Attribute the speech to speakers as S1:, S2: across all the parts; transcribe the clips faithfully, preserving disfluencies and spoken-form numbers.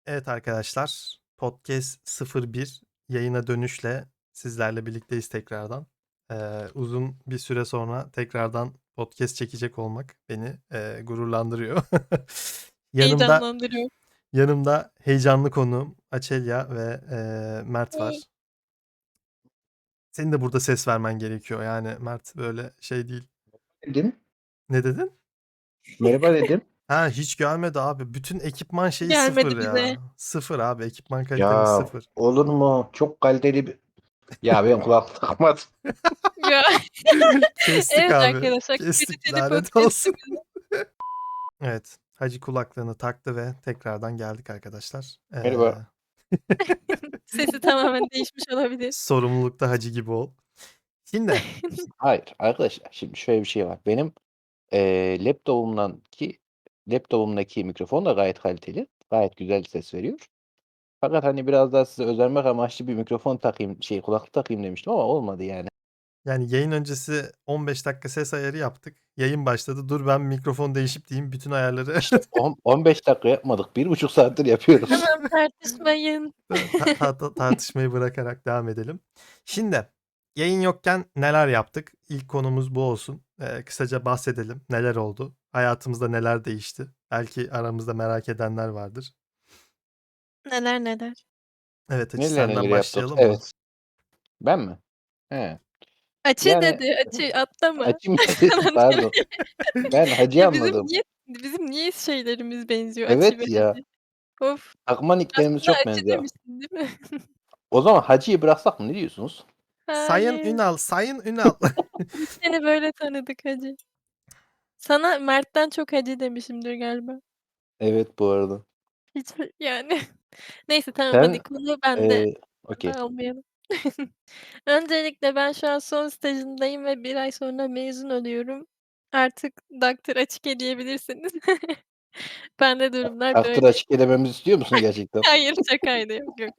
S1: Evet arkadaşlar, Podcast sıfır bir yayına dönüşle sizlerle birlikteyiz tekrardan. Eee, uzun bir süre sonra tekrardan podcast çekecek olmak beni eee, gururlandırıyor. Yanımda
S2: Heyecanlandırıyor.
S1: yanımda heyecanlı konuğum Açelya ve eee, Mert
S2: Hey.
S1: var. Senin de burada ses vermen gerekiyor. Yani Mert böyle şey değil.
S3: Dedim.
S1: Ne dedin?
S3: Merhaba dedim.
S1: Ha hiç gelmedi abi. Bütün ekipman şeyi
S2: Gelmedi
S1: sıfır
S2: bize.
S1: ya. Sıfır abi. Ekipman kalitemiz
S3: Ya
S1: sıfır.
S3: olur mu? Çok kaliteli bir... Ya ben kulaklık takmadım.
S2: Ya.
S1: Kestik
S2: Evet
S1: abi.
S2: arkadaşlar,
S1: Kestik.
S2: kaliteli
S1: Lanet olsun.
S2: podcast'imiz.
S1: Evet. Hacı kulaklığını taktı ve tekrardan geldik arkadaşlar. Eee,
S3: Merhaba.
S2: Sesi tamamen değişmiş olabilir.
S1: sorumlulukta Hacı gibi ol. Şimdi
S3: Hayır arkadaşlar şimdi şöyle bir şey var. Benim eee laptopumdan ki laptopumdaki mikrofon da gayet kaliteli. Gayet güzel ses veriyor. Fakat hani biraz daha size özenmek amaçlı bir mikrofon takayım, şey kulaklık takayım demiştim ama olmadı yani.
S1: yani yayın öncesi on beş dakika ses ayarı yaptık. Yayın başladı. Dur ben mikrofon değişip diyeyim bütün ayarları
S3: İşte on on beş dakika yapmadık. Bir buçuk saattir yapıyoruz.
S2: Tamam, tartışmayın.
S1: ta- ta- ta- tartışmayı bırakarak devam edelim. Şimdi yayın yokken neler yaptık? İlk konumuz bu olsun. Eee, kısaca bahsedelim. Neler oldu? Hayatımızda neler değişti? Belki aramızda merak edenler vardır.
S2: Neler neler.
S1: Evet Hacı
S3: Neler
S1: senden
S3: neler yaptık.
S1: başlayalım mı?
S3: Evet. Ben mi? He.
S2: Açı
S3: Yani
S2: dedi. Açı atlama.
S3: Hacı mı dedi?
S2: Falan diyor.
S3: Pardon. Ben Hacı
S2: Ya bizim
S3: anladım.
S2: niye bizim niye şeylerimiz benziyor, Açı ve
S3: Evet ya.
S2: Hacı? Of.
S3: Takma nicklerimiz
S2: Aslında
S3: çok
S2: Açı
S3: benziyor.
S2: demiştin değil mi?
S3: O zaman Hacı'yı bıraksak mı? Ne diyorsunuz?
S1: Sayın
S2: Hayır.
S1: Ünal, Sayın Ünal.
S2: Biz seni böyle tanıdık Hacı. Sana Mert'ten çok Hacı demişimdir galiba.
S3: Evet bu arada.
S2: Hiç yani. Neyse tamam, hadi
S3: Sen
S2: konu bende.
S3: eee okay.
S2: Dağılmayalım. Öncelikle ben şu an son stajımdayım ve bir ay sonra mezun oluyorum. Artık Doktor Açık diyebilirsiniz. Bende durumlar
S3: Aktır
S2: böyle.
S3: açık elememizi istiyor musun gerçekten?
S2: Hayır, şakaydı. Yok, yok.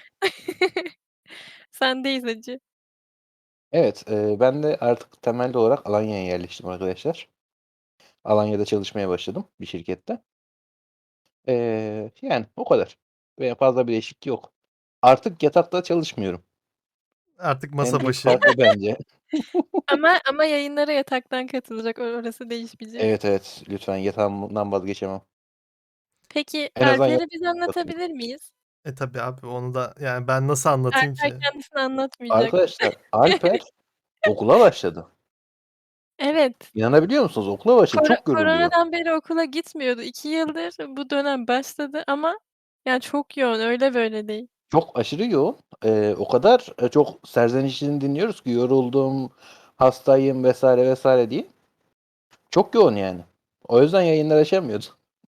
S2: Sendeyiz Hacı.
S3: Evet, eee, ben de artık temelli olarak Alanya'ya yerleştim arkadaşlar. Alanya'da çalışmaya başladım bir şirkette. Eee, yani o kadar. Veya fazla bir değişiklik yok. Artık yatakta çalışmıyorum.
S1: Artık
S3: En
S1: masa
S3: büyük
S1: başı.
S3: fark o bence.
S2: Ama ama yayınlara yataktan katılacak. O orası değişmeyecek.
S3: Evet, evet. Lütfen yatağımdan vazgeçemem.
S2: Peki,
S3: En azından
S2: Alper'i
S3: yatağımda
S2: bize
S3: kapatayım.
S2: anlatabilir miyiz?
S1: E tabii abi onu da yani ben nasıl anlatayım
S2: Alper
S1: ki?
S2: kendisini anlatmayacak.
S3: Arkadaşlar Alper okula başladı.
S2: Evet.
S3: İnanabiliyor musunuz? Okula başladı.
S2: Koro
S3: Çok yoruluyor.
S2: koronadan beri okula gitmiyordu. iki yıldır bu dönem başladı ama yani çok yoğun, öyle böyle değil.
S3: Çok aşırı yoğun. Eee, o kadar, eee, çok serzenişini dinliyoruz ki yoruldum, hastayım vesaire vesaire diye. Çok yoğun yani. O yüzden yayınlar açamıyordu.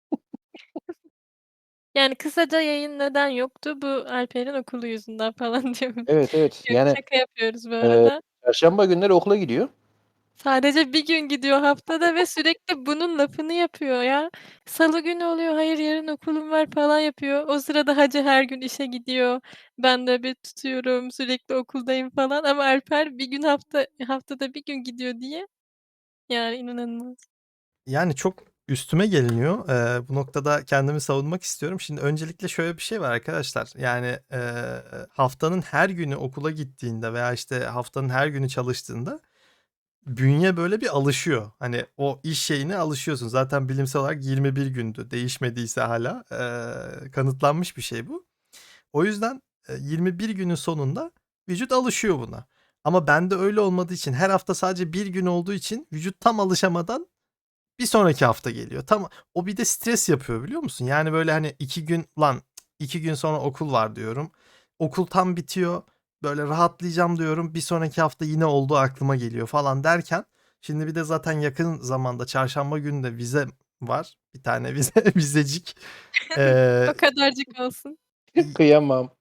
S2: Yani kısaca yayın neden yoktu? Bu Alper'in okulu yüzünden falan diyorum.
S3: Evet, evet.
S2: Yok,
S3: Yani,
S2: şaka yapıyoruz bu
S3: eee,
S2: arada.
S3: çarşamba günleri okula gidiyor.
S2: Sadece bir gün gidiyor haftada ve sürekli bunun lafını yapıyor ya. Salı günü oluyor, "Hayır, yarın okulum var." falan yapıyor. O sırada Hacı her gün işe gidiyor. Ben nöbet tutuyorum, sürekli okuldayım falan ama Alper bir gün hafta haftada bir gün gidiyor diye yani inanılmaz.
S1: Yani çok üstüme geliniyor. Eee, bu noktada kendimi savunmak istiyorum. Şimdi öncelikle şöyle bir şey var arkadaşlar. Yani eee, haftanın her günü okula gittiğinde veya işte haftanın her günü çalıştığında bünye böyle bir alışıyor. Hani o iş şeyine alışıyorsun. Zaten bilimsel olarak yirmi bir gündü. Değişmediyse hala eee, kanıtlanmış bir şey bu. O yüzden e, yirmi bir günün sonunda vücut alışıyor buna. Ama bende öyle olmadığı için her hafta sadece bir gün olduğu için vücut tam alışamadan bir sonraki hafta geliyor. Tam o bir de stres yapıyor biliyor musun? Yani böyle hani iki gün lan iki gün sonra okul var diyorum. Okul tam bitiyor. Böyle rahatlayacağım diyorum. Bir sonraki hafta yine olduğu aklıma geliyor falan derken şimdi bir de zaten yakın zamanda çarşamba günü de vize var. Bir tane vize vizecik.
S2: O
S1: Ee,
S2: kadarcık olsun.
S3: Kıyamam.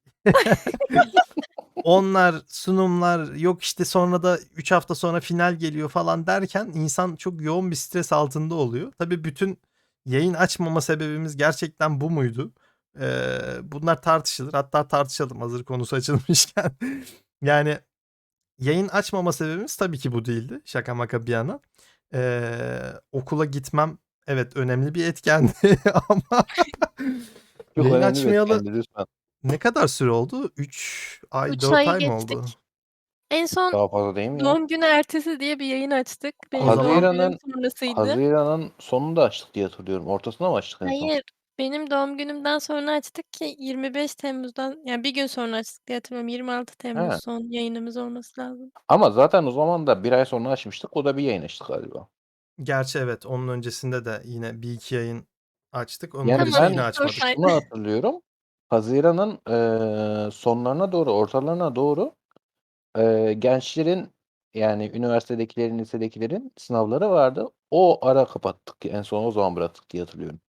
S1: onlar sunumlar yok işte sonra da üç hafta sonra final geliyor falan derken insan çok yoğun bir stres altında oluyor. Tabii bütün yayın açmama sebebimiz gerçekten bu muydu? Ee, bunlar tartışılır. Hatta tartışalım hazır konusu açılmışken. Yani yayın açmama sebebimiz tabii ki bu değildi. Şaka maka bir yana. Ee, okula gitmem evet önemli bir etkendi ama
S3: Çok
S1: Yayın
S3: önemli bir
S1: açmayalı
S3: etkendi lütfen.
S1: ne kadar süre oldu? üç ay,
S2: üç
S1: dört
S2: ayı
S1: ay mı
S2: geçtik.
S1: oldu?
S2: En son
S3: Daha fazla değil mi ya?
S2: doğum günü ertesi diye bir yayın açtık.
S1: O
S2: Benim doğum
S1: zaman
S2: günüm
S3: Haziran'ın
S2: sonrasıydı.
S3: Haziran'ın sonunda açtık diye hatırlıyorum. Ortasında mı açtık en son?
S2: Hayır, benim doğum günümden sonra açtık ki yirmi beş Temmuz'dan, yani bir gün sonra açtık diye hatırlıyorum. yirmi altı Temmuz
S3: He.
S2: son yayınımız olması lazım.
S3: Ama zaten o zaman da bir ay sonra açmıştık. O da bir yayın açtık galiba.
S1: Gerçi evet, onun öncesinde de yine bir iki yayın açtık. Onun
S3: Yani
S1: öncesinde
S2: Tamam,
S1: yine
S3: ben
S2: dört ay.
S1: açmadık.
S3: şunu hatırlıyorum. Haziran'ın eee, sonlarına doğru, ortalarına doğru eee, gençlerin yani üniversitedekilerin, lisedekilerin sınavları vardı. O ara kapattık. En son o zaman bıraktık diye hatırlıyorum.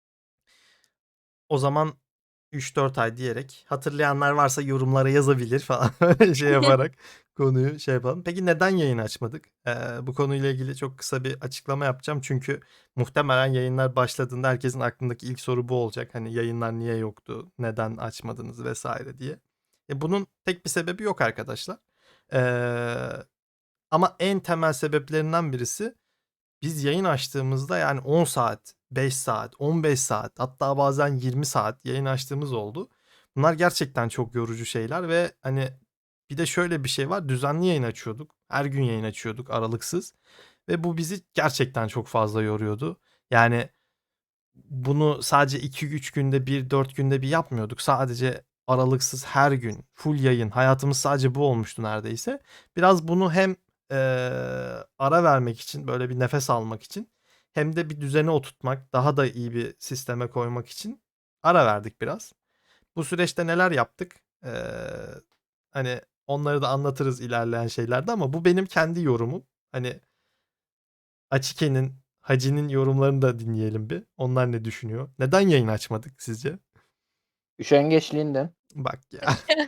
S1: O zaman üç dört ay diyerek hatırlayanlar varsa yorumlara yazabilir falan öyle şey yaparak konuyu şey yapalım. Peki neden yayın açmadık? Eee, bu konuyla ilgili çok kısa bir açıklama yapacağım. Çünkü muhtemelen yayınlar başladığında herkesin aklındaki ilk soru bu olacak. Hani yayınlar niye yoktu? Neden açmadınız vesaire diye. E bunun tek bir sebebi yok arkadaşlar. Eee, ama en temel sebeplerinden birisi biz yayın açtığımızda yani on saat, beş saat, on beş saat hatta bazen yirmi saat yayın açtığımız oldu. Bunlar gerçekten çok yorucu şeyler ve hani bir de şöyle bir şey var. Düzenli yayın açıyorduk. Her gün yayın açıyorduk aralıksız ve bu bizi gerçekten çok fazla yoruyordu. Yani bunu sadece iki üç günde bir, dört günde bir yapmıyorduk. Sadece aralıksız her gün full yayın. Hayatımız sadece bu olmuştu neredeyse. Biraz bunu hem eee, ara vermek için, böyle bir nefes almak için hem de bir düzene oturtmak, daha da iyi bir sisteme koymak için ara verdik biraz. Bu süreçte neler yaptık? Eee, hani onları da anlatırız ilerleyen şeylerde ama bu benim kendi yorumum. Hani Açike'nin, Hacı'nin yorumlarını da dinleyelim bir. Onlar ne düşünüyor? Neden yayın açmadık sizce?
S3: Üşengeçliğinden.
S1: Bak ya.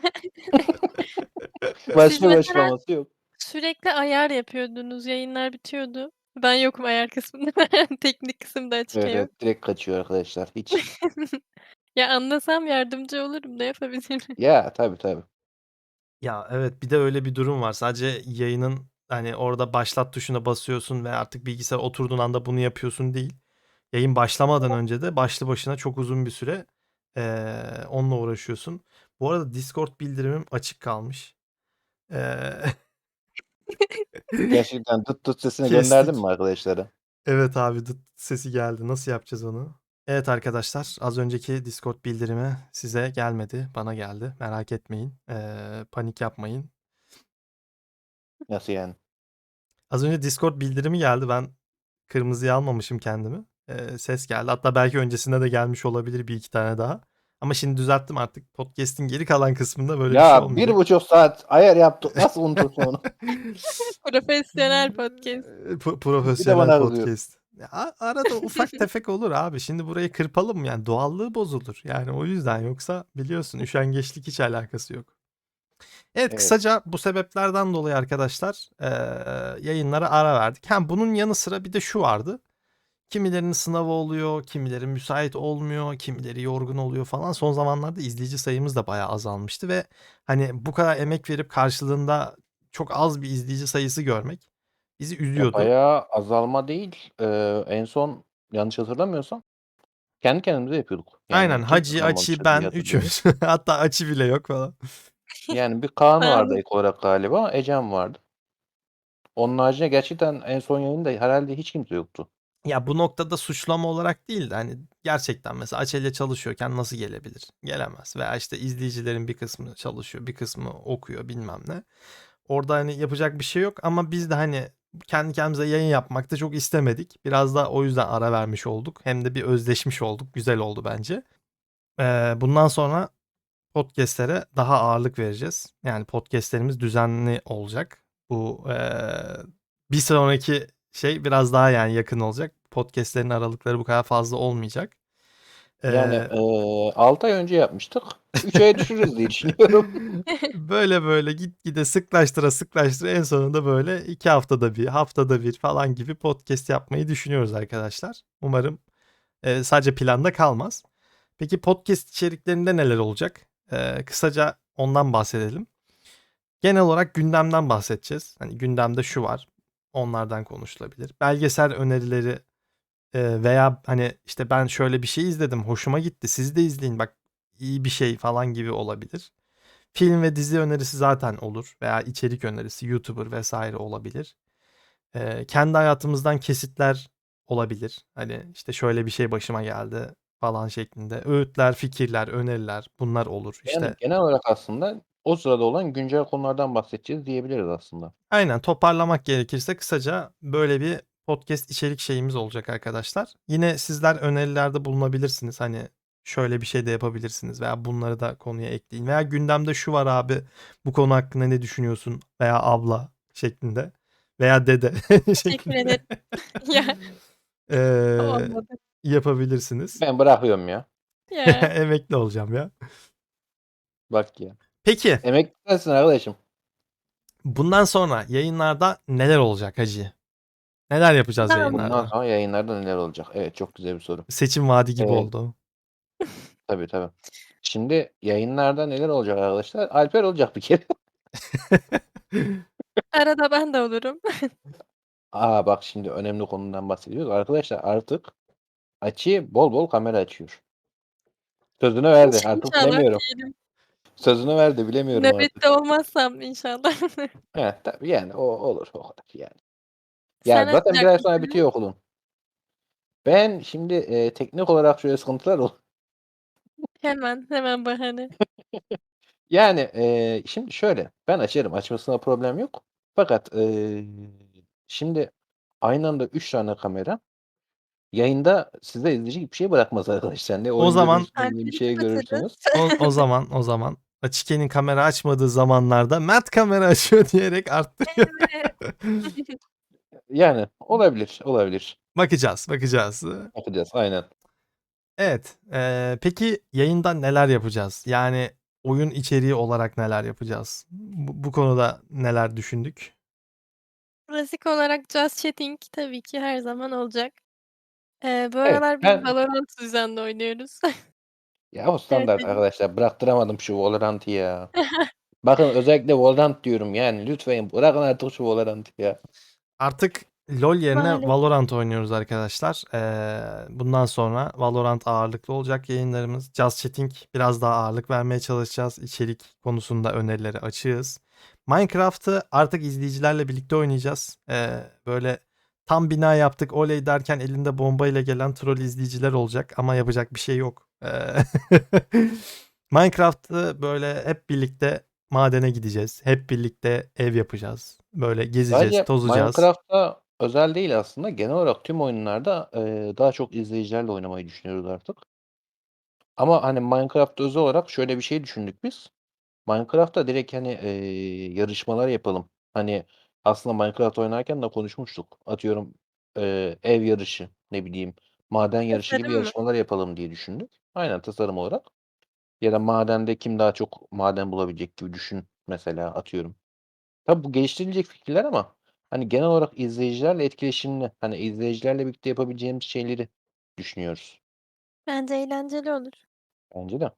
S2: Siz
S3: Başka bir
S2: mesela
S3: açıklaması yok.
S2: sürekli ayar yapıyordunuz. Yayınlar bitiyordu. Ben yokum ayar kısmında. Teknik kısımda Açık
S3: Evet,
S2: yok.
S3: evet direkt kaçıyor arkadaşlar. Hiç.
S2: Ya anlasam yardımcı olurum. Ne yapabilirim?
S3: Ya tabii tabii.
S1: Ya evet, bir de öyle bir durum var. Sadece yayının hani orada başlat tuşuna basıyorsun ve artık bilgisayar oturduğun anda bunu yapıyorsun değil. Yayın başlamadan önce de başlı başına çok uzun bir süre eee, onunla uğraşıyorsun. Bu arada Discord bildirimim açık kalmış. Eee,
S3: Gerçekten tıt tıt sesini gönderdin mi
S1: kestik.
S3: arkadaşlara?
S1: Evet abi, dıt sesi geldi. Nasıl yapacağız onu? Evet arkadaşlar, az önceki Discord bildirimi size gelmedi, bana geldi. Merak etmeyin, eee, panik yapmayın.
S3: Nasıl yani?
S1: Az önce Discord bildirimi geldi. Ben kırmızıya almamışım kendimi. Eee, ses geldi. Hatta belki öncesinde de gelmiş olabilir bir iki tane daha. Ama şimdi düzelttim artık. Podcast'in geri kalan kısmında böyle bir şey
S3: Ya bir
S1: olmayacak.
S3: buçuk saat ayar yaptık. Nasıl unutursun onu?
S2: Profesyonel podcast.
S1: P-
S3: Bir de
S1: profesyonel
S3: bana kızıyor.
S1: podcast. Ya, a- arada ufak tefek olur abi. Şimdi burayı kırpalım mı? Yani doğallığı bozulur. Yani o yüzden, yoksa biliyorsun üşengeçlik hiç alakası yok. Evet,
S3: Evet.
S1: kısaca bu sebeplerden dolayı arkadaşlar eee, yayınlara ara verdik. Hem bunun yanı sıra bir de şu vardı. Kimilerinin sınavı oluyor, kimileri müsait olmuyor, kimileri yorgun oluyor falan. Son zamanlarda izleyici sayımız da bayağı azalmıştı ve hani bu kadar emek verip karşılığında çok az bir izleyici sayısı görmek bizi
S3: Ya
S1: üzüyordu.
S3: bayağı azalma değil. Ee, en son yanlış hatırlamıyorsam kendi kendimize yapıyorduk.
S1: Aynen,
S3: Yani kimse
S1: Hacı, Açı,
S3: kalmamıştı diye
S1: ben
S3: hatırlıyorum.
S1: üçümüz. Hatta Açı bile yok falan.
S3: Yani bir Kaan vardı
S2: Sağlık.
S3: ek olarak galiba. Ecem vardı. Onun haricinde gerçekten en son yayında herhalde hiç kimse yoktu.
S1: Ya bu noktada suçlama olarak değil de hani gerçekten mesela Açel'le çalışıyorken nasıl gelebilir? Gelemez. Veya işte izleyicilerin bir kısmı çalışıyor, bir kısmı okuyor bilmem ne. Orada hani yapacak bir şey yok ama biz de hani kendi kendimize yayın yapmakta çok istemedik. Biraz da o yüzden ara vermiş olduk. Hem de bir özleşmiş olduk. Güzel oldu bence. Ee, bundan sonra podcast'lere daha ağırlık vereceğiz. Yani podcast'lerimiz düzenli olacak. Bu eee, bir sonraki şey biraz daha yani yakın olacak. Podcast'lerin aralıkları bu kadar fazla olmayacak.
S3: Yani
S1: Eee
S3: eee altı ay önce yapmıştık. üç aya düşürürüz diye düşünüyorum.
S1: böyle böyle gitgide sıklaştıra sıklaştıra en sonunda böyle iki haftada bir, haftada bir falan gibi podcast yapmayı düşünüyoruz arkadaşlar. Umarım eee, sadece planda kalmaz. Peki podcast içeriklerinde neler olacak? Eee, kısaca ondan bahsedelim. Genel olarak gündemden bahsedeceğiz. Hani gündemde şu var. Onlardan konuşulabilir. Belgesel önerileri e, veya hani işte ben şöyle bir şey izledim. Hoşuma gitti. Siz de izleyin. Bak iyi bir şey falan gibi olabilir. Film ve dizi önerisi zaten olur veya içerik önerisi, YouTuber vesaire olabilir. Eee, kendi hayatımızdan kesitler olabilir. Hani, işte, şöyle bir şey başıma geldi falan şeklinde. Öğütler, fikirler, öneriler bunlar olur.
S3: Yani,
S1: İşte
S3: genel olarak aslında o sırada olan güncel konulardan bahsedeceğiz diyebiliriz aslında.
S1: Aynen, toparlamak gerekirse kısaca böyle bir podcast içerik şeyimiz olacak arkadaşlar. Yine sizler önerilerde bulunabilirsiniz. Hani, şöyle bir şey de yapabilirsiniz veya bunları da konuya ekleyin veya gündemde şu var abi, bu konu hakkında ne düşünüyorsun veya abla şeklinde veya dede
S2: Teşekkür
S1: şeklinde,
S2: ederim. Ya,
S1: eee,
S2: olmadı.
S1: yapabilirsiniz.
S3: Ben bırakıyorum ya.
S2: Ya.
S1: Emekli olacağım ya.
S3: Bak ya.
S1: Peki.
S3: Emekli sensin arkadaşım.
S1: Bundan sonra yayınlarda neler olacak hacı? Neler yapacağız
S2: Ben
S3: Bundan
S1: yayınlarda?
S3: sonra yayınlarda neler olacak? Evet, çok güzel bir soru.
S1: Seçim vaadi gibi
S3: Eee
S1: oldu.
S3: Tabii, tabii. Şimdi yayınlarda neler olacak arkadaşlar? Alper olacak bir kere.
S2: Arada ben de olurum.
S3: A, bak şimdi önemli konudan bahsediyoruz. Arkadaşlar artık Ati bol bol kamera açıyor. Sözünü verdi.
S2: İnş
S3: Artık
S2: inşallah
S3: bilemiyorum.
S2: diyelim.
S3: Sözünü verdi. Bilemiyorum artık.
S2: Nöbette olmazsam inşallah.
S3: He, tabii yani o olur o kadar yani. Ya
S2: Sen
S3: zaten bir
S2: açacak
S3: ay sonra
S2: mısın?
S3: bitiyor okulum. Ben şimdi, eee, teknik olarak şöyle sıkıntılar ol
S2: Hemen, hemen bahane.
S3: Yani, eee, şimdi şöyle, ben açarım, açmasında problem yok. Fakat, eee, şimdi aynı anda üç tane kamera yayında size izleyecek bir şey bırakmaz arkadaşlar. Ne
S1: O
S3: oyun
S1: zaman
S3: görürsünüz ne bir
S2: Alper'i
S3: şey
S2: kapatırız.
S3: görürsünüz.
S1: o o zaman o zaman Achike'nin kamera açmadığı zamanlarda Mert kamera açıyor diyerek arttırıyor.
S2: Evet.
S3: Yani olabilir, olabilir.
S1: Bakacağız, bakacağız.
S3: Bakacağız, aynen.
S1: Evet, eee, peki yayında neler yapacağız? Yani oyun içeriği olarak neler yapacağız? Bu bu konuda neler düşündük?
S2: Klasik olarak just chatting tabii ki her zaman olacak. Eee, bu
S3: Evet,
S2: aralar biz
S3: ben
S2: Valorant düzenli oynuyoruz.
S3: Ya o
S2: Evet,
S3: standart
S2: benim
S3: arkadaşlar. Bıraktıramadım şu Valorant'ı ya. Bakın özellikle Valorant diyorum yani lütfen bırakın artık şu Valorant'ı ya.
S1: Artık LoL yerine
S2: Maalesef.
S1: Valorant oynuyoruz arkadaşlar. Eee, bundan sonra Valorant ağırlıklı olacak yayınlarımız. Just Chatting biraz daha ağırlık vermeye çalışacağız. İçerik konusunda önerileri açığız. Minecraft'ı artık izleyicilerle birlikte oynayacağız. Eee, böyle tam bina yaptık oley derken elinde bombayla gelen troll izleyiciler olacak ama yapacak bir şey yok. Eee, Minecraft'ı böyle hep birlikte madene gideceğiz. Hep birlikte ev yapacağız. Böyle gezeceğiz,
S3: Sadece
S1: tozacağız.
S3: Minecraft'ta özel değil aslında. Genel olarak tüm oyunlarda, eee, daha çok izleyicilerle oynamayı düşünüyoruz artık. Ama, hani, Minecraft'ta özel olarak şöyle bir şey düşündük biz. Minecraft'ta direkt, hani, eee, yarışmalar yapalım. Hani, aslında Minecraft oynarken de konuşmuştuk. Atıyorum, eee, ev yarışı, ne bileyim, maden yarışı gibi
S2: Tasarım mı?
S3: yarışmalar yapalım diye düşündük. Aynen, tasarım olarak. Ya da madende kim daha çok maden bulabilecek gibi düşün mesela, atıyorum. Tabii bu geliştirilecek fikirler ama, hani, genel olarak izleyicilerle etkileşimli, hani, izleyicilerle birlikte yapabileceğimiz şeyleri düşünüyoruz.
S2: Bence eğlenceli olur.
S3: Bence de.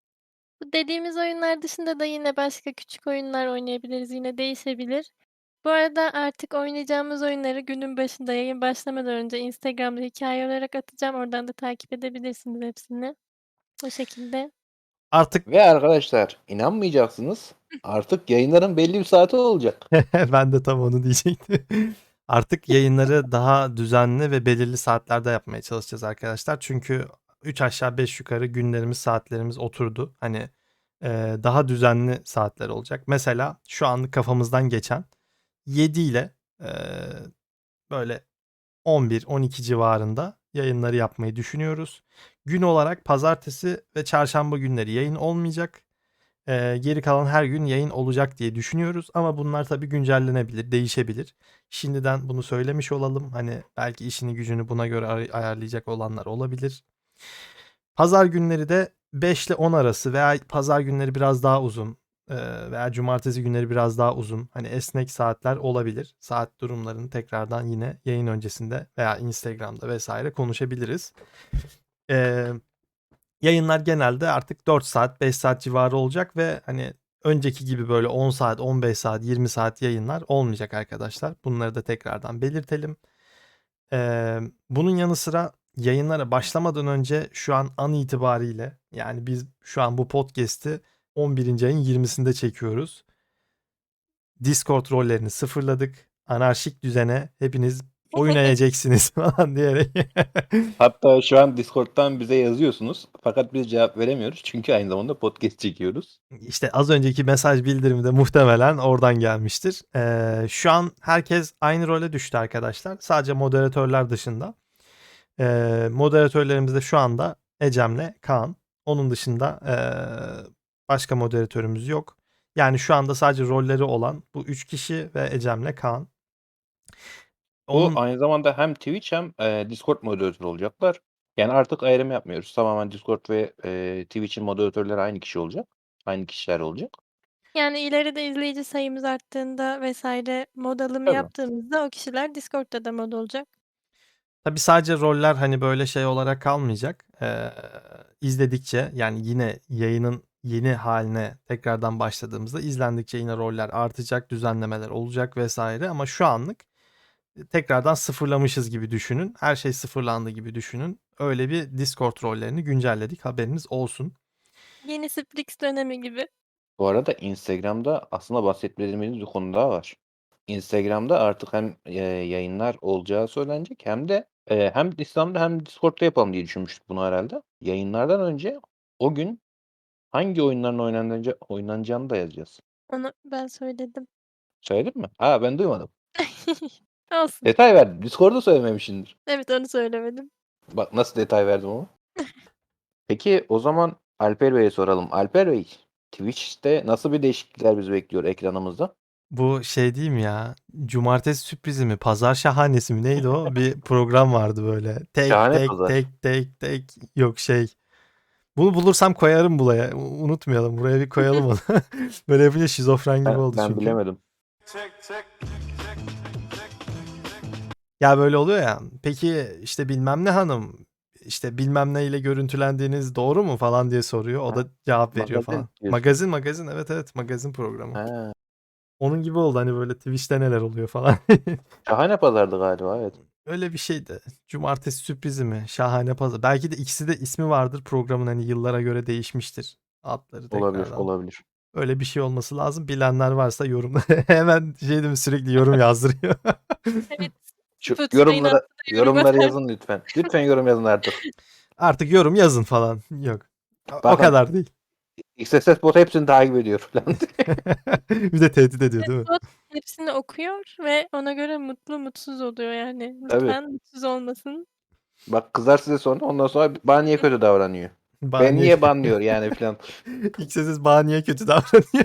S2: Bu dediğimiz oyunlar dışında da yine başka küçük oyunlar oynayabiliriz. Yine değişebilir. Bu arada artık oynayacağımız oyunları günün başında yayın başlamadan önce Instagram'da hikâye olarak atacağım. Oradan da takip edebilirsiniz hepsini. O şekilde.
S1: Artık
S3: Ve arkadaşlar inanmayacaksınız, artık yayınların belli bir saati olacak.
S1: ben de tam onu diyecektim. Artık yayınları daha düzenli ve belirli saatlerde yapmaya çalışacağız arkadaşlar. Çünkü üç aşağı beş yukarı günlerimiz, saatlerimiz oturdu. Hani, eee, daha düzenli saatler olacak. Mesela şu anlık kafamızdan geçen yedi ile, eee, böyle on bir on iki civarında yayınları yapmayı düşünüyoruz. Gün olarak pazartesi ve çarşamba günleri yayın olmayacak. Eee, geri kalan her gün yayın olacak diye düşünüyoruz ama bunlar tabii güncellenebilir, değişebilir. Şimdiden bunu söylemiş olalım. Hani belki işini gücünü buna göre ay ayarlayacak olanlar olabilir. Pazar günleri de beş ile on arası veya pazar günleri biraz daha uzun, eee, veya cumartesi günleri biraz daha uzun, hani esnek saatler olabilir. Saat durumlarını tekrardan yine yayın öncesinde veya Instagram'da vesaire konuşabiliriz. Eee Yayınlar genelde artık dört saat, beş saat civarı olacak ve, hani, önceki gibi böyle on saat, on beş saat, yirmi saat yayınlar olmayacak arkadaşlar. Bunları da tekrardan belirtelim. Emm, bunun yanı sıra yayınlara başlamadan önce şu an an itibariyle yani biz şu an bu podcast'i on birinci ayın yirmisinde çekiyoruz. Discord rollerini sıfırladık. Anarşik düzene hepiniz oynayacaksınız falan diyerek.
S3: Hatta şu an Discord'dan bize yazıyorsunuz. Fakat biz cevap veremiyoruz. Çünkü aynı zamanda podcast çekiyoruz.
S1: İşte az önceki mesaj bildirimi de muhtemelen oradan gelmiştir. Ee, şu an herkes aynı role düştü arkadaşlar. Sadece moderatörler dışında. Ee, moderatörlerimiz de şu anda Ecem'le Kaan. Onun dışında ee, başka moderatörümüz yok. Yani şu anda sadece rolleri olan bu üç kişi ve Ecem'le Kaan.
S3: Bu
S1: Onun
S3: aynı zamanda hem Twitch hem e, Discord moderatörü olacaklar. Yani artık ayrım yapmıyoruz. Tamamen Discord ve e, Twitch'in moderatörleri aynı kişi olacak. Aynı kişiler olacak.
S2: Yani ileride izleyici sayımız arttığında vesaire mod alımı
S3: Tabii.
S2: yaptığımızda o kişiler Discord'da da mod olacak.
S1: tabii sadece roller hani böyle şey olarak kalmayacak. Ee, izledikçe yani yine yayının yeni haline tekrardan başladığımızda izlendikçe yine roller artacak, düzenlemeler olacak vesaire ama şu anlık tekrardan sıfırlamışız gibi düşünün. Her şey sıfırlandı gibi düşünün. Öyle bir Discord rollerini güncelledik. Haberiniz olsun.
S2: Yeni Sprix dönemi gibi.
S3: Bu arada Instagram'da aslında bahsetmediğimiz bir konu daha var. Instagram'da artık hem e, yayınlar olacağı söylenecek hem de e, hem İslam'da hem Discord'da yapalım diye düşünmüştük bunu herhalde. Yayınlardan önce o gün hangi oyunların oynanacağı, oynanacağını da yazacağız.
S2: Onu ben söyledim.
S3: Söyledin mi? Ha, ben duymadım.
S2: Olsun.
S3: Detay verdim. Discord'da söylememişsindir.
S2: Evet, onu söylemedim.
S3: Bak nasıl detay verdim ama. Peki o zaman Alper Bey'e soralım. Alper Bey, Twitch'te nasıl bir değişiklikler bizi bekliyor ekranımızda?
S1: Bu şey değil mi ya? Cumartesi sürprizi mi? Pazar şahanesi mi? Neydi o? Bir program vardı böyle. Tek
S3: Şahane
S1: tek
S3: pazar.
S1: tek tek tek. Yok şey. Bunu bulursam koyarım buraya. U- Unutmayalım. Buraya bir koyalım onu. Böyle yapınca şizofren gibi
S3: Ben,
S1: oldu
S3: ben
S1: çünkü.
S3: bilemedim.
S1: Ya böyle oluyor ya. Peki işte bilmem ne hanım işte bilmem ne ile görüntülendiğiniz doğru mu falan diye soruyor. O
S3: Ha,
S1: da cevap veriyor
S3: magazin
S1: falan.
S3: diyorsun.
S1: Magazin magazin evet evet magazin programı.
S3: Ha,
S1: Onun gibi oldu hani böyle Twitch'te neler oluyor falan.
S3: şahane pazardı galiba, evet.
S1: Öyle bir şeydi. Cumartesi sürprizi mi? Şahane pazar. Belki de ikisi de ismi vardır. Programın hani yıllara göre değişmiştir. Adları
S3: Olabilir,
S1: tekrardan.
S3: olabilir.
S1: Öyle bir şey olması lazım. Bilenler varsa yorumlara hemen şey değil mi sürekli yorum yazdırıyor.
S2: Evet.
S3: Şu
S2: Spotify'ın
S3: yorumlara
S2: altına yorum
S3: yorumları
S2: atar.
S3: yazın lütfen. Lütfen yorum yazın artık.
S1: Artık yorum yazın falan. Yok. O- O
S3: Bakın
S1: kadar değil.
S3: X S S bot hepsini takip ediyor falan.
S1: Bir de tehdit ediyor değil mi?
S2: Bot hepsini okuyor ve ona göre mutlu mutsuz oluyor yani.
S3: Tabii.
S2: Lütfen mutsuz olmasın.
S3: Bak kızar size sonra ondan sonra bana niye kötü davranıyor?
S1: Bana
S3: Ben
S1: niye-
S3: niye banlıyor yani falan.
S1: X S S bana niye kötü davranıyor?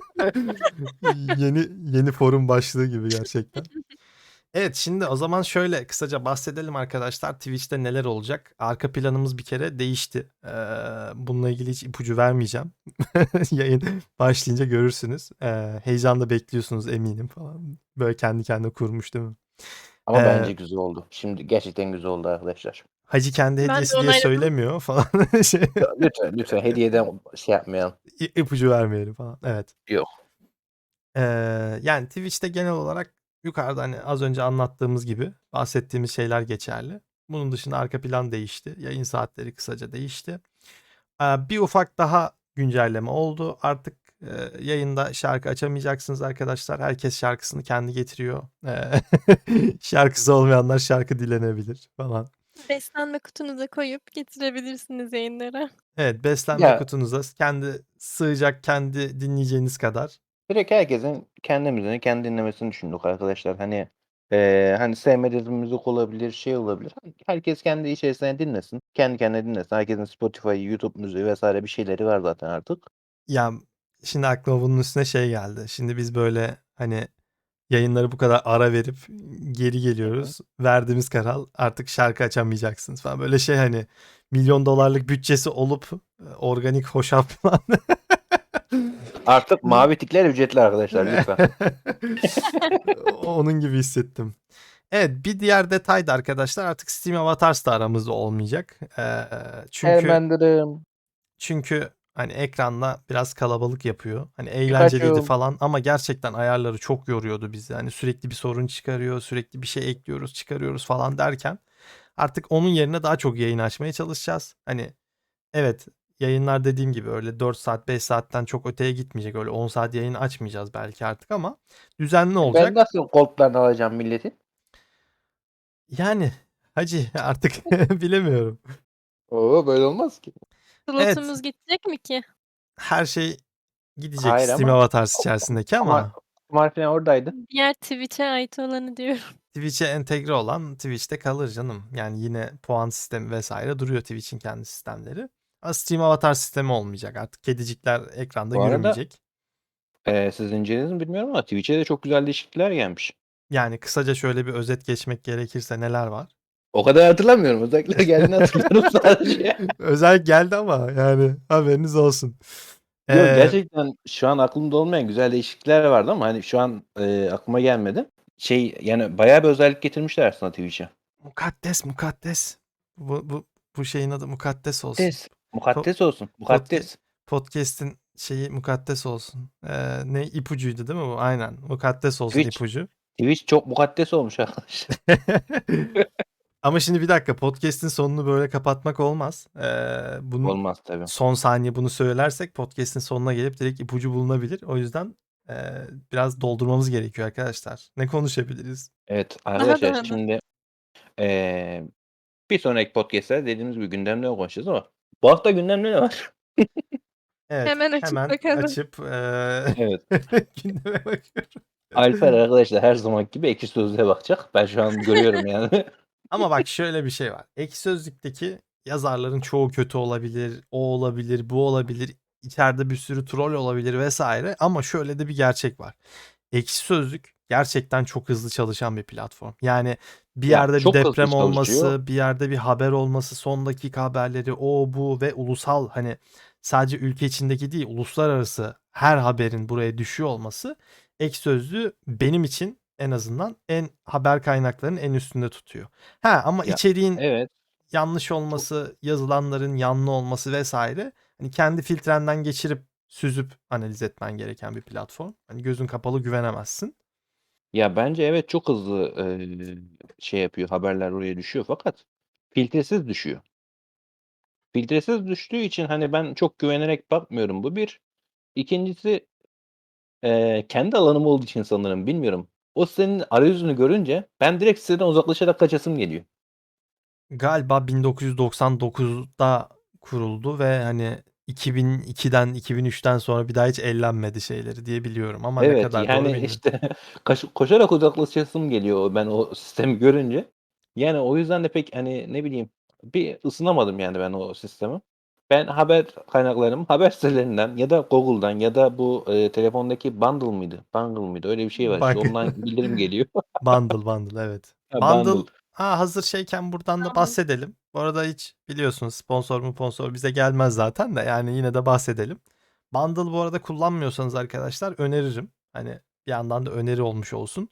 S1: yeni yeni forum başlığı gibi gerçekten. Evet şimdi o zaman şöyle kısaca bahsedelim arkadaşlar. Twitch'te neler olacak? Arka planımız bir kere değişti. Ee, bununla ilgili hiç ipucu vermeyeceğim. Yayın başlayınca görürsünüz. Ee, heyecanla bekliyorsunuz eminim falan. Böyle kendi kendine kurmuş değil mi?
S3: Ama
S1: Ee,
S3: bence güzel oldu. Şimdi gerçekten güzel oldu arkadaşlar.
S1: Hacı kendi
S2: Ben de
S1: hediyesi diye
S2: onayladım.
S1: söylemiyor falan. şey,
S3: Ya, lütfen lütfen hediyeden şey yapmayalım.
S1: i- ipucu vermeyelim falan. Evet.
S3: Yok.
S1: Ee, yani Twitch'te genel olarak yukarıda hani az önce anlattığımız gibi bahsettiğimiz şeyler geçerli. Bunun dışında arka plan değişti. Yayın saatleri kısaca değişti. Ee, bir ufak daha güncelleme oldu. Artık e, yayında şarkı açamayacaksınız arkadaşlar. Herkes şarkısını kendi getiriyor. Ee, şarkısı olmayanlar şarkı dilenebilir falan.
S2: Beslenme kutunuza koyup getirebilirsiniz yayınlara.
S1: Evet beslenme
S3: Ya
S1: kutunuza kendi sığacak kendi dinleyeceğiniz kadar.
S3: direkt herkesin kendi müziğini kendi dinlemesini düşündük arkadaşlar. Hani eee hani sevmediğiniz müzik olabilir, şey olabilir. Herkes kendi içerisinde dinlesin. Kendi kendine dinlesin. Herkesin Spotify, YouTube müziği vesaire bir şeyleri var zaten artık.
S1: Ya şimdi aklıma bunun üstüne şey geldi. Şimdi biz böyle hani yayınları bu kadar ara verip geri geliyoruz. Verdiğimiz karar artık şarkı açamayacaksınız falan. Böyle şey hani milyon dolarlık bütçesi olup e, organik hoşaf falan.
S3: Artık mavi tikler ücretli arkadaşlar lütfen.
S1: Onun gibi hissettim. Evet bir diğer detay da arkadaşlar artık Steam Avatars da aramızda olmayacak. Ee, çünkü
S3: Ermendirim.
S1: çünkü hani ekranla biraz kalabalık yapıyor. Hani eğlenceliydi
S3: Pikachu.
S1: falan ama gerçekten ayarları çok yoruyordu bizi. Hani sürekli bir sorun çıkarıyor, sürekli bir şey ekliyoruz, çıkarıyoruz falan derken Artık onun yerine daha çok yayın açmaya çalışacağız. Hani evet, yayınlar dediğim gibi öyle dört saat beş saatten çok öteye gitmeyecek. Öyle on saat yayın açmayacağız belki artık ama düzenli
S3: E ben
S1: olacak.
S3: nasıl gold'larını alacağım milletin?
S1: Yani hacı artık bilemiyorum.
S3: Oo böyle olmaz ki.
S1: Evet,
S2: Slotumuz gidecek mi ki?
S1: her şey gidecek
S3: Hayır
S1: Steam
S3: ama
S1: Avatars
S3: o
S1: içerisindeki
S3: kumar
S1: ama
S3: kumar falan oradaydı.
S2: Diğer Twitch'e ait olanı diyorum.
S1: Twitch'e entegre olan Twitch'te kalır canım. Yani yine puan sistemi vesaire duruyor Twitch'in kendi sistemleri. Ama Steam Avatar sistemi olmayacak artık. Kedicikler ekranda
S3: Bu arada
S1: yürümeyecek.
S3: eee, siz incelediniz mi bilmiyorum ama Twitch'e de çok güzel değişiklikler gelmiş.
S1: Yani kısaca şöyle bir özet geçmek gerekirse neler var?
S3: O kadar hatırlamıyorum. Özellikler geldiğini hatırlıyorum sadece.
S1: Özel geldi ama yani haberiniz olsun.
S3: Yok
S1: Ee,
S3: gerçekten şu an aklımda olmayan güzel değişiklikler vardı ama hani şu an eee, aklıma gelmedi. Şey yani bayağı bir özellik getirmişler aslında Twitch'e.
S1: mukaddes mukaddes. Bu, bu, bu şeyin adı mukaddes olsun.
S3: Mukaddes.
S1: Po-
S3: Mukaddes olsun.
S1: podca-
S3: Mukaddes.
S1: podcast'in şeyi mukaddes olsun. Ee, ne ipucuydu değil mi bu? Aynen. Mukaddes olsun
S3: Twitch.
S1: ipucu.
S3: Twitch çok mukaddes olmuş arkadaşlar.
S1: Ama şimdi bir dakika, podcast'in sonunu böyle kapatmak olmaz. Ee, bunun
S3: Olmaz tabii.
S1: son saniye bunu söylersek podcast'in sonuna gelip direkt ipucu bulunabilir. O yüzden e, biraz doldurmamız gerekiyor arkadaşlar. Ne konuşabiliriz?
S3: Evet
S2: Daha
S3: arkadaşlar
S2: daha da.
S3: şimdi eee, bir sonraki podcast'te dediğimiz gibi gündemle konuşacağız ama bu hafta gündemde ne var?
S1: Evet,
S2: Hemen açıp
S1: hemen
S2: bakalım.
S1: açıp e,
S3: Evet.
S1: gündeme bakıyorum.
S3: Alper arkadaşlar her zaman gibi Ekşi Sözlüğe bakacak. Ben şu an görüyorum yani.
S1: Ama bak şöyle bir şey var. Ekşi Sözlük'teki yazarların çoğu kötü olabilir, o olabilir, bu olabilir. İçeride bir sürü troll olabilir vesaire. Ama şöyle de bir gerçek var. Ekşi Sözlük gerçekten çok hızlı çalışan bir platform. Yani bir
S3: Ya
S1: yerde bir
S3: çok hızlı
S1: deprem
S3: çalışıyor.
S1: olması, bir yerde bir haber olması, son dakika haberleri, o bu ve ulusal, hani sadece ülke içindeki değil, uluslararası her haberin buraya düşüyor olması Ekşi Sözlüğü benim için en azından en haber kaynaklarının en üstünde tutuyor. Ha ama
S3: Ya
S1: içeriğin
S3: evet.
S1: yanlış
S3: Çok
S1: olması, yazılanların yanlı olması vesaire, hani kendi filtrenden geçirip süzüp analiz etmen gereken bir platform. Hani gözün kapalı güvenemezsin.
S3: ya bence evet çok hızlı eee, şey yapıyor. Haberler oraya düşüyor fakat filtresiz düşüyor. Filtresiz düştüğü için hani ben çok güvenerek bakmıyorum. Bu bir. İkincisi eee, kendi alanım olduğu için sanırım bilmiyorum. O sitenin arayüzünü görünce ben direkt siteden uzaklaşarak kaçasım geliyor.
S1: Galiba bin dokuz yüz doksan dokuzda kuruldu ve hani iki bin ikiden iki bin üçten sonra bir daha hiç ellenmedi şeyleri diye biliyorum ama ne
S3: Evet,
S1: kadar doğru
S3: yani,
S1: bilmiyorum.
S3: işte, kaş koşarak uzaklaşasım geliyor ben o sistemi görünce. Yani, o yüzden de pek, hani, ne bileyim, bir ısınamadım yani ben o sisteme. Ben haber kaynaklarımı haber sitelerinden ya da Google'dan ya da bu, eee, telefondaki Bundle mıydı? Bungle mıydı? Öyle bir şey var işte,
S1: Bak
S3: ondan bildirim geliyor.
S1: Bundle Bundle evet.
S3: Ha,
S1: Bundle,
S3: Bundle.
S1: ha hazır şeyken buradan da
S2: Tamam.
S1: bahsedelim. Bu arada hiç biliyorsunuz sponsor mu sponsor bize gelmez zaten de, yani yine de bahsedelim. Bundle bu arada kullanmıyorsanız arkadaşlar öneririm. Hani bir yandan da öneri olmuş olsun.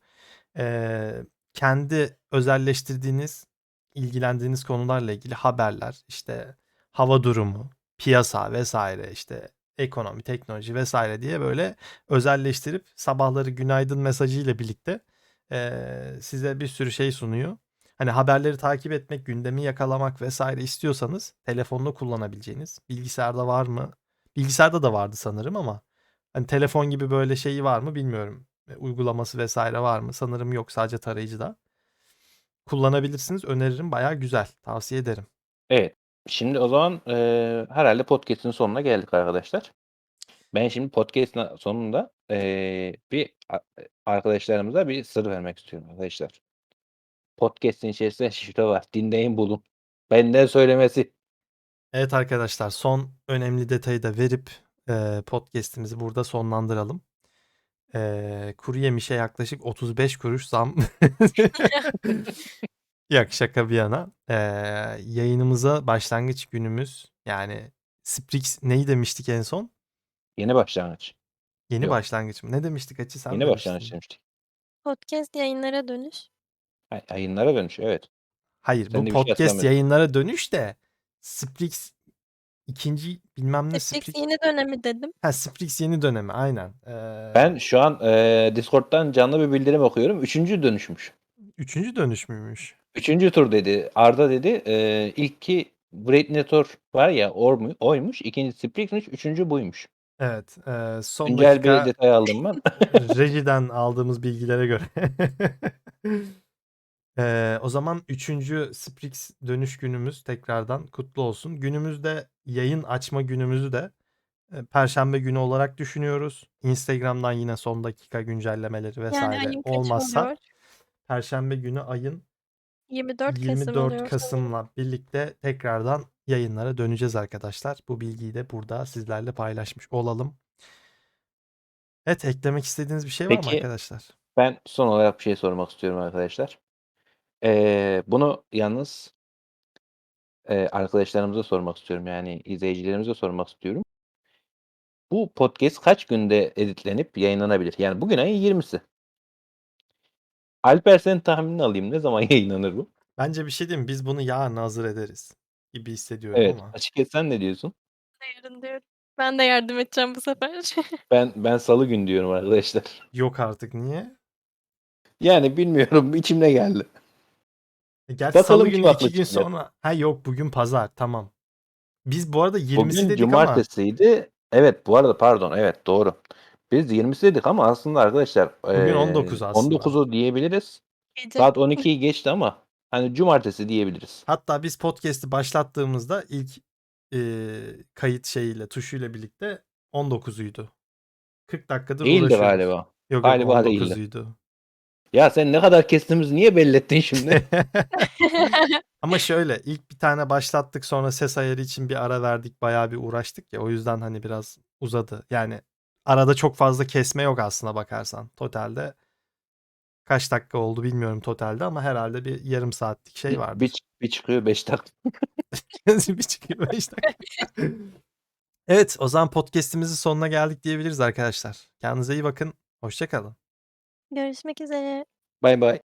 S1: Ee, kendi özelleştirdiğiniz, ilgilendiğiniz konularla ilgili haberler, işte hava durumu, piyasa vesaire, işte ekonomi, teknoloji vesaire diye böyle özelleştirip sabahları günaydın mesajıyla birlikte ee, size bir sürü şey sunuyor. Hani haberleri takip etmek, gündemi yakalamak vesaire istiyorsanız telefonla kullanabileceğiniz. Bilgisayarda var mı? Bilgisayarda da vardı sanırım ama hani telefon gibi böyle şeyi var mı bilmiyorum. E, uygulaması vesaire var mı? Sanırım yok, sadece tarayıcıda. Kullanabilirsiniz. Öneririm. Bayağı güzel. Tavsiye ederim.
S3: Evet. Şimdi o zaman, eee, herhâlde podcast'in sonuna geldik arkadaşlar. Ben şimdi podcast'in sonunda, eee, bir a arkadaşlarımıza bir sır vermek istiyorum arkadaşlar. Podcast'in içerisinde şifre var. Dinleyin bulun. Benden söylemesi.
S1: Evet arkadaşlar, son önemli detayı da verip e, podcast'imizi burada sonlandıralım. E, kuru yemişe yaklaşık otuz beş kuruş zam. Yok, şaka bir yana. E, yayınımıza başlangıç günümüz, yani Sprix neyi demiştik en son?
S3: Yeni başlangıç.
S1: Yeni
S3: Yok,
S1: başlangıç mı? Ne demiştik Açı, sen
S3: yeni başlangıç
S1: demiştin.
S3: demiştik.
S2: Podcast yayınlara dönüş.
S3: Ha, yayınlara dönüş, evet.
S1: Hayır,
S3: Sen
S1: bu
S3: de bir şey
S1: podcast
S3: hatırlamıyorsun.
S1: yayınlara dönüş de Sprix ikinci bilmem ne
S2: Netflix
S1: Sprix.
S2: yeni dönemi dedim.
S1: Ha, Sprix yeni dönemi aynen. Ee,
S3: Ben şu an, eee, Discord'dan canlı bir bildirim okuyorum. Üçüncü dönüşmüş.
S1: üçüncü dönüş müymüş?
S3: üçüncü tur dedi. Arda dedi, eee, ilki Predator var ya ormu oymuş. ikincisi Sprix'miş. üçüncü buymuş.
S1: Evet, eee, son
S3: Güncel bir
S1: dakika
S3: detay aldım ben.
S1: rejiden aldığımız bilgilere göre. Eee, o zaman üçüncü Sprix dönüş günümüz tekrardan kutlu olsun. Günümüzde yayın açma günümüzü de eee, perşembe günü olarak düşünüyoruz. Instagram'dan yine son dakika güncellemeleri
S2: Yani
S1: vesaire
S2: ayın kaçı
S1: olmazsa
S2: oluyor?
S1: perşembe günü ayın
S2: yirmi dört Kasım
S1: yirmi dört
S2: oluyor sanırım.
S1: Kasım'la birlikte tekrardan yayınlara döneceğiz arkadaşlar. Bu bilgiyi de burada sizlerle paylaşmış olalım. Evet, eklemek istediğiniz bir şey var mı
S3: Peki,
S1: arkadaşlar?
S3: ben son olarak bir şey sormak istiyorum arkadaşlar. Eee, bunu yalnız eee, arkadaşlarımıza sormak istiyorum, yani izleyicilerimize sormak istiyorum. Bu podcast kaç günde editlenip yayınlanabilir? Yani bugün ayın yirmisi. Alper senin tahminini alayım. Ne zaman yayınlanır bu?
S1: Bence bir şey diyeyim mi? Biz bunu yarın hazır ederiz gibi hissediyorum
S3: Evet.
S1: ama.
S3: Açıkçası sen ne diyorsun?
S2: Yarın diyorum. Ben de yardım edeceğim bu sefer.
S3: Ben ben salı günü diyorum arkadaşlar.
S1: Yok artık, niye?
S3: Yani bilmiyorum, içimde geldi.
S1: E, gerçi salı
S3: Bakalım kim
S1: günü iki
S3: haklı
S1: gün
S3: çıkacak.
S1: sonra. Ha yok, bugün pazar, tamam. Biz bu arada yirmisi
S3: Bugün
S1: dedik ama
S3: cumartesiydi. Evet, bu arada pardon, evet doğru. Biz yirmisi dedik ama aslında arkadaşlar
S1: bugün on
S3: eee
S1: dokuz
S3: on
S1: aslında.
S3: dokuzu diyebiliriz.
S2: Gece.
S3: Saat on ikiyi geçti ama hani cumartesi diyebiliriz.
S1: Hatta biz podcast'i başlattığımızda ilk eee, kayıt şeyiyle, tuşuyla birlikte on dokuzuydu. kırk dakikadır
S3: Değildi
S1: uğraşıyoruz.
S3: galiba.
S1: Yok yok,
S3: Galiba değildi.
S1: on dokuzuydu.
S3: Ya sen ne kadar kestiğimizi niye belli ettin şimdi?
S1: Ama şöyle, ilk bir tane başlattık, sonra ses ayarı için bir ara verdik, bayağı bir uğraştık ya, o yüzden hani biraz uzadı. Yani arada çok fazla kesme yok aslına bakarsan. Totalde kaç dakika oldu bilmiyorum totalde ama herhalde bir yarım saatlik şey
S3: Bir, bir,
S1: vardır.
S3: çık- bir çıkıyor beş dakika.
S1: Bir çıkıyor beş dakika. Evet, o zaman podcast'imizin sonuna geldik diyebiliriz arkadaşlar. Kendinize iyi bakın. Hoşça kalın.
S2: Görüşmek üzere.
S3: Bay bay.